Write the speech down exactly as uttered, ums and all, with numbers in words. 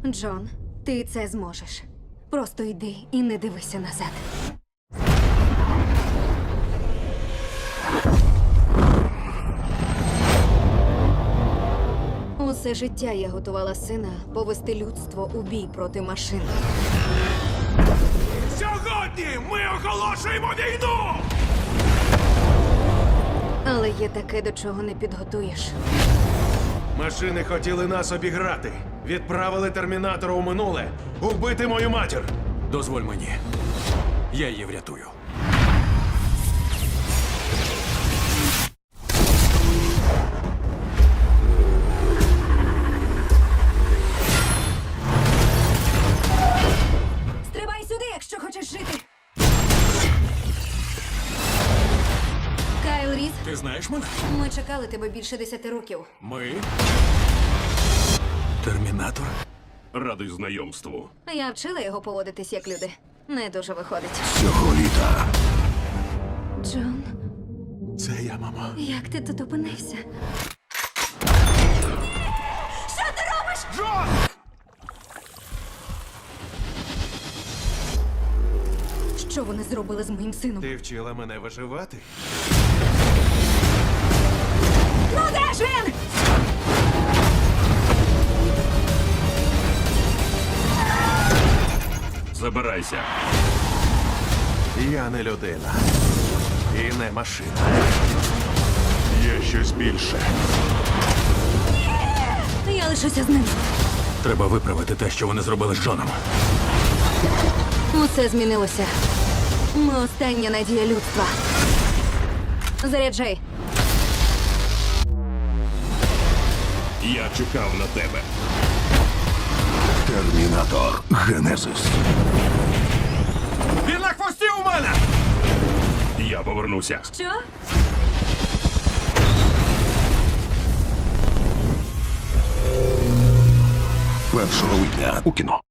Джон, ти це зможеш. Просто йди і не дивися назад. Усе життя я готувала сина повести людство у бій проти машин. Сьогодні ми оголошуємо війну! Але є таке, до чого не підготуєш. Машини хотіли нас обіграти. Відправили термінатора у минуле убити мою матір. Дозволь мені. Я її врятую. Стрибай сюди, якщо хочеш жити. Кайл Різ, Ти знаєш мене? ми чекали тебе більше десяти років. Ми. Термінатор? Радий знайомству. Я вчила його поводитись як люди. Не дуже виходить. Цього літа. Джон, Це я, мама. як ти тут опинився? Джон! Що вони зробили з моїм сином? Ти вчила мене виживати? Ну де ж він? Забирайся. Я не людина. І не машина. Є щось більше. Я лишуся з ним. Треба виправити те, що вони зробили з Джоном. Усе змінилося. Ми остання надія людства. Заряджай. Я чекав на тебе. Термінатор Генезис. Він на хвості у мене! Я повернуся. Що? Першого липня у кіно.